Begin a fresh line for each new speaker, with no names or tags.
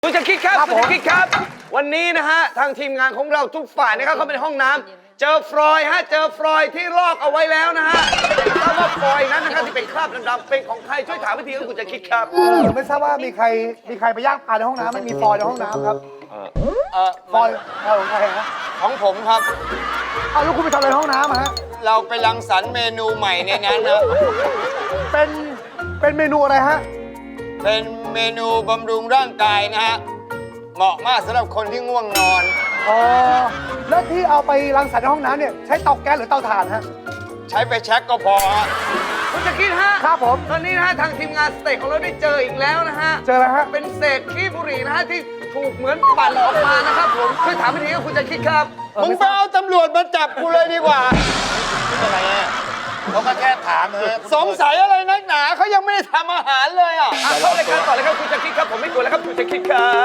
คุณจะคิดครับคุณจะคิดครับ วันนี้นะฮะทางทีมงานของเราทุกฝ่ายนะครับเข้าไปในห้องน้ำเจอฟลอยด์ฮะเจอฟลอยด์ที่ลอกเอาไว้แล้วนะฮะทราบว่าฟลอยด์นั้นนะครับที่เป็นคราบดำๆเป็นของใครช่วยถามวิธีของคุณจะคิดครับ
ไม่ทราบว่ามีใครไปย่างปลาในห้องน้ำไม่มีฟอยล์ในห้องน้ำครับฟอยล์ของใครฮะ
ของผมครับ
เอาแล้วคุณไปทำอะไรในห้องน้ำฮะ
เราไปรังสรรค์เมนูใหม่ในนั้นนะ
เป็นเมนูอะไรฮะ
เป็นเมนูบำรุงร่างกายนะฮะ เหมาะมากสำหรับคนที่ง่วงนอน
อ๋อแล้วที่เอาไปรังสรรค์ในห้องน้ำเนี่ยใช้เตาแก๊สหรือเตาถ่านฮะ
ใช้ไปแช็กก็พอฮะ
คุณจะคิดฮะ
ครับผม
ตอนนี้นะฮะทางทีมงานสเต็กของเราได้เจออีกแล้วนะฮะ
เจอแล้วฮะ
เป็นเศษขี้บุหรี่นะฮะที่ถูกเหมือนปั่นออกมานะครับผมช่วยถามวิธีของคุณจะคิดครับ
มึงไปเอาตำรวจมาจับกูเลยดีกว่า
อะไรอ่ะเขาก็แค่ถามเออ
สงสัยอะไรนักหนาเขายังไม่ได้ทำอาหารเลยอ่ะ
เข้ารายการต่อเลยครับคุณจะคิดครับผมไม่กลัวแล้วครับคุณจะคิดครับ